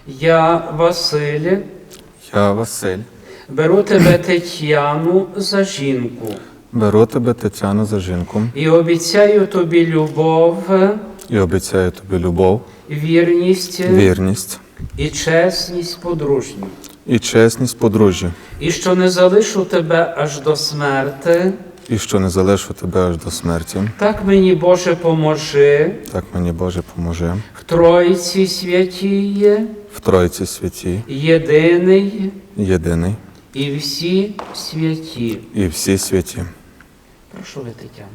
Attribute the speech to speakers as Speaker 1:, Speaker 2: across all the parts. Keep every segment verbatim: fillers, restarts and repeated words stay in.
Speaker 1: Я, Василь,
Speaker 2: Я, Василь,
Speaker 1: беру тебе, Тетяну, за жінку
Speaker 2: беру тебе, Тетяну, за жінку
Speaker 1: і обіцяю тобі любов,
Speaker 2: і обіцяю тобі любов,
Speaker 1: вірність
Speaker 2: вірність
Speaker 1: і чесність подружню,
Speaker 2: і чесність подружжя,
Speaker 1: і що не залишу тебе аж до смерти.
Speaker 2: і що не залишу тебе аж до смерті.
Speaker 1: Так мені, Боже, поможи
Speaker 2: Так мені, Боже, поможи.
Speaker 1: в Тройці святій,
Speaker 2: В Тройці святій,
Speaker 1: єдиний
Speaker 2: єдиний
Speaker 1: і всі святі.
Speaker 2: і всі святі.
Speaker 1: Прошу ви, Тетяна.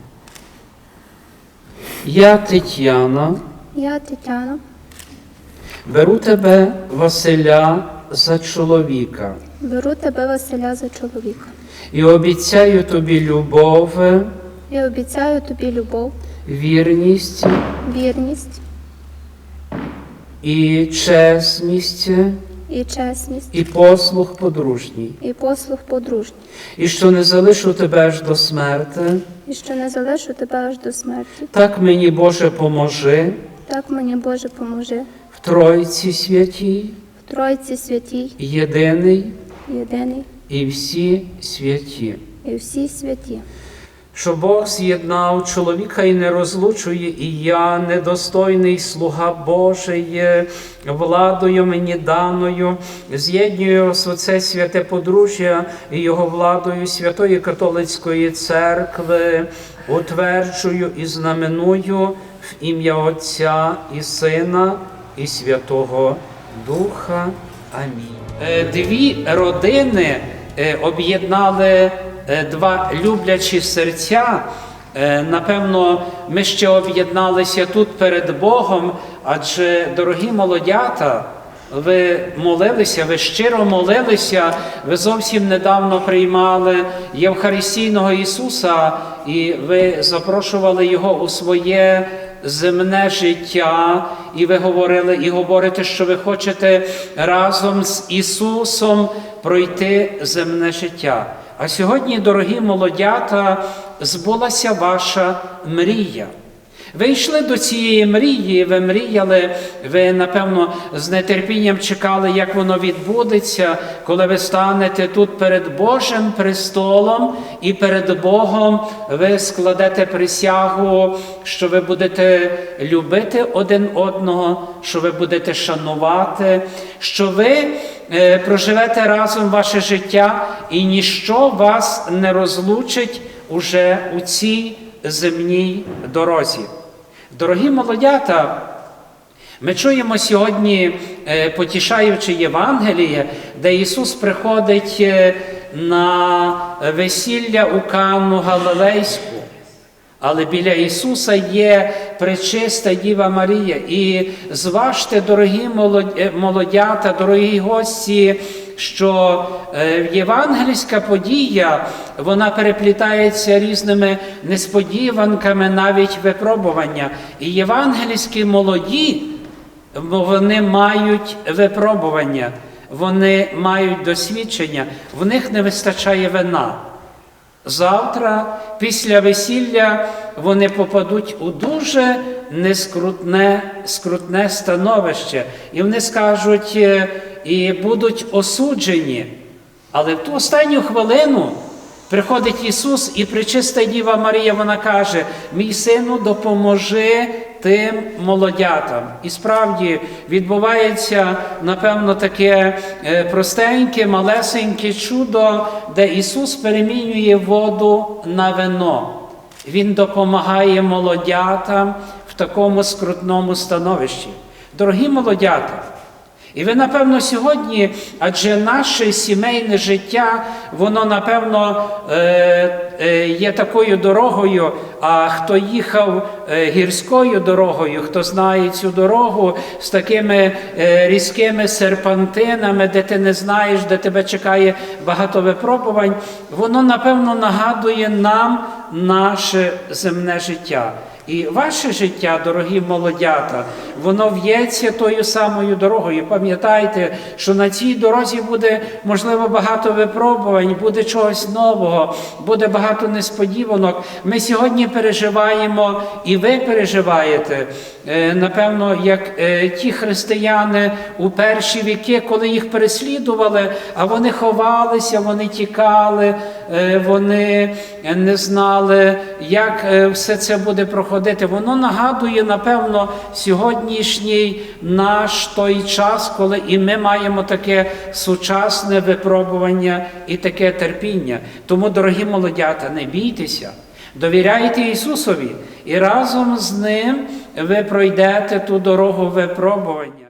Speaker 1: Я, Тетяна,
Speaker 3: Я, Тетяна,
Speaker 1: беру тебе, Василя, за чоловіка
Speaker 3: беру тебе, Василя, за чоловіка
Speaker 1: і обіцяю тобі любов,
Speaker 3: і обіцяю тобі любов,
Speaker 1: вірність
Speaker 3: вірність
Speaker 1: і чесність
Speaker 3: і чесність
Speaker 1: і послух подружній,
Speaker 3: і послуг подружній,
Speaker 1: і що не залишу тебе аж до смерти.
Speaker 3: і що не залишу тебе аж до смерті.
Speaker 1: Так мені, Боже, поможи
Speaker 3: Так мені, Боже, поможи
Speaker 1: в Тройці святій,
Speaker 3: в Тройці святій,
Speaker 1: єдиний
Speaker 3: єдиний
Speaker 1: і всі святі.
Speaker 3: і всі святі.
Speaker 1: Що Бог з'єднав чоловіка і не розлучує, і я, недостойний слуга Божий, владою мені даною, з'єднюю оце святе подружжя і його владою Святої Католицької Церкви, утверджую і знаменую в ім'я Отця і Сина і Святого Духа. Амінь. Дві родини об'єднали два люблячі серця. Напевно, ми ще об'єдналися тут перед Богом, адже, дорогі молодята, ви молилися, ви щиро молилися, ви зовсім недавно приймали Євхаристійного Ісуса, і ви запрошували Його у своє земне життя, і ви говорили, і говорите, що ви хочете разом з Ісусом пройти земне життя. А сьогодні, дорогі молодята, збулася ваша мрія. Ви йшли до цієї мрії, ви мріяли, ви, напевно, з нетерпінням чекали, як воно відбудеться, коли ви станете тут перед Божим престолом і перед Богом ви складете присягу, що ви будете любити один одного, що ви будете шанувати, що ви проживете разом ваше життя і ніщо вас не розлучить уже у цій земній дорозі. Дорогі молодята, ми чуємо сьогодні, потішаючи Євангеліє, де Ісус приходить на весілля у Канну Галилейську. Але біля Ісуса є пречиста Діва Марія. І зважте, дорогі молодята, дорогі гості, що євангельська подія, вона переплітається різними несподіванками, навіть випробування. І євангельські молоді, вони мають випробування, вони мають досвідчення, в них не вистачає вина. Завтра, після весілля, вони попадуть у дуже нескрутне, скрутне становище. І вони скажуть, і будуть осуджені. Але в ту останню хвилину приходить Ісус, і пречиста Діва Марія, вона каже: «Мій сину, допоможи тим молодятам». І справді відбувається, напевно, таке простеньке, малесеньке чудо, де Ісус перемінює воду на вино. Він допомагає молодятам в такому скрутному становищі. Дорогі молодята, і ви, напевно, сьогодні, адже наше сімейне життя, воно, напевно, є такою дорогою, а хто їхав гірською дорогою, хто знає цю дорогу з такими різкими серпантинами, де ти не знаєш, де тебе чекає багато випробувань, воно, напевно, нагадує нам наше земне життя. І ваше життя, дорогі молодята, воно в'ється тою самою дорогою. Пам'ятайте, що на цій дорозі буде, можливо, багато випробувань, буде чогось нового, буде багато несподіванок. Ми сьогодні переживаємо, і ви переживаєте, е, напевно, як е, ті християни у перші віки, коли їх переслідували, а вони ховалися, вони тікали, е, вони не знали, як е, все це буде проходити. Воно нагадує, напевно, сьогоднішній наш той час, коли і ми маємо таке сучасне випробування і таке терпіння. Тому, дорогі молодята, не бійтеся, довіряйте Ісусові, і разом з Ним ви пройдете ту дорогу випробування.